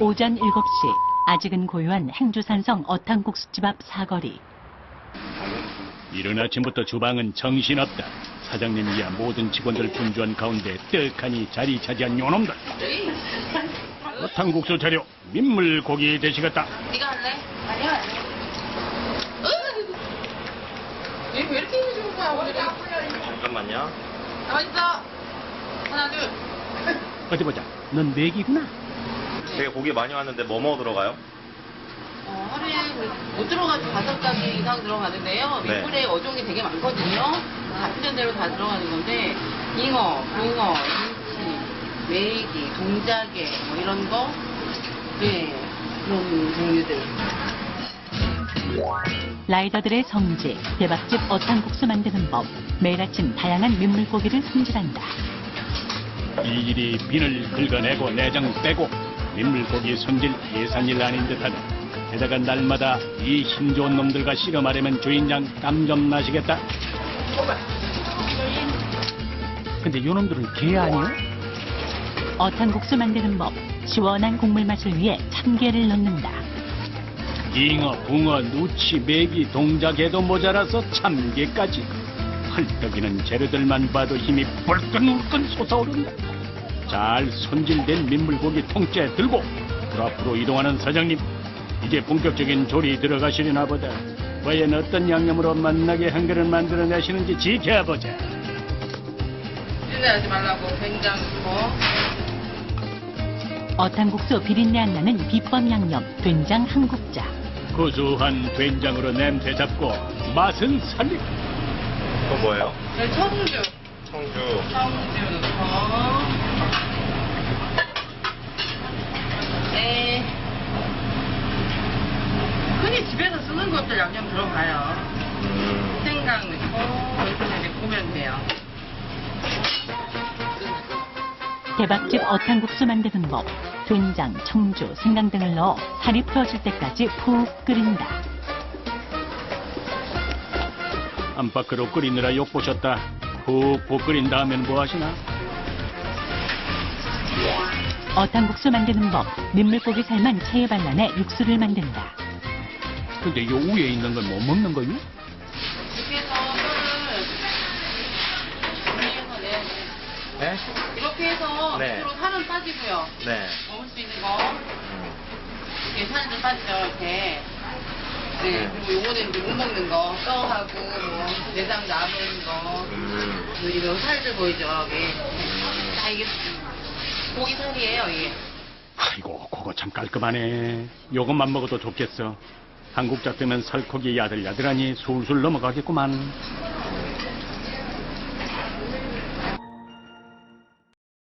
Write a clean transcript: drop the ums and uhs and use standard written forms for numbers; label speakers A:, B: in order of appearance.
A: 오전 7시, 아직은 고요한 행주산성 어탕국수집 앞 사거리.
B: 이른 아침부터 주방은 정신없다. 사장님이야 모든 직원들 분주한 가운데 떡하니 자리 차지한 요놈들. 어탕국수 재료, 민물고기 되시겠다.
C: 네가 할래? 아니야. 얘 왜 이렇게 힘이 좋은 거야, 오늘은?
D: 잠깐만요.
C: 가만 있어. 하나, 둘.
B: 어디 보자. 넌 맥이구나.
D: 되게 고기 많이 왔는데 뭐뭐 들어가요?
C: 하루에 못 들어가도 5가지 이상 들어가는데요.
D: 네.
C: 민물에 어종이 되게 많거든요. 같은 대로 다 들어가는 건데, 잉어, 붕어, 김치, 메기, 동자개, 뭐 이런 거. 네, 그런 종류들.
A: 라이더들의 성지, 대박집 어탕국수 만드는 법. 매일 아침 다양한 민물고기를 손질한다.
B: 일일이 비늘 긁어내고 내장 빼고 민물고기 손질 예산일 아닌 듯하다. 게다가 날마다 이 힘 좋은 놈들과 씨름하려면 주인장 땀 좀 나시겠다. 근데 요 놈들은 개 아니야?
A: 어탕국수 만드는 법. 시원한 국물 맛을 위해 참깨를 넣는다.
B: 잉어, 붕어, 누치, 메기, 동자개도 모자라서 참개까지. 헐떡이는 재료들만 봐도 힘이 불끈불끈 솟아오른다. 잘 손질된 민물고기 통째 들고 앞으로 이동하는 사장님. 이제 본격적인 조리 들어가시려나 보다. 과연 어떤 양념으로 맛나게 한 그릇 만들어내시는지 지켜보자.
C: 찔러하지 말라고 된장 넣고.
A: 어탕국수 비린내 안 나는 비법 양념, 된장 한 국자.
B: 고소한 된장으로 냄새 잡고 맛은 살리고.
D: 그건 뭐예요?
C: 네, 청주.
D: 청주.
C: 청주 넣고. 네. 흔히 집에서 쓰는 것들 양념 들어가요. 생강 넣고 이렇게 구우면 돼요.
A: 대박집 어탕국수 만드는 법. 된장, 청주, 생강 등을 넣어 살이 풀어질 때까지 푹 끓인다.
B: 안팎으로 끓이느라 욕보셨다. 푹푹 끓인 다음엔 뭐 하시나?
A: 어탕국수 만드는 법. 민물고기 살만 체에 발라내 육수를 만든다.
B: 근데 요 위에 있는 건 못 먹는 거요?
C: 이렇게 해서 뼈를 정리해서 내야 돼.
D: 네?
C: 이렇게 해서
D: 네.
C: 밑으로 살은 빠지고요.
D: 네.
C: 먹을 수 있는 거. 이렇게 살도 빠지죠, 이렇게. 네, 그리고 요거는 이제 못 먹는 거. 뼈하고, 뭐, 내장 남은 거. 그리고 살들 보이죠, 여기. 다 이게 고기 살이에요, 이게.
B: 아이고, 그거 참 깔끔하네. 요것만 먹어도 좋겠어. 한국 잡되면 살코기 야들야들하니 술술 넘어가겠구만.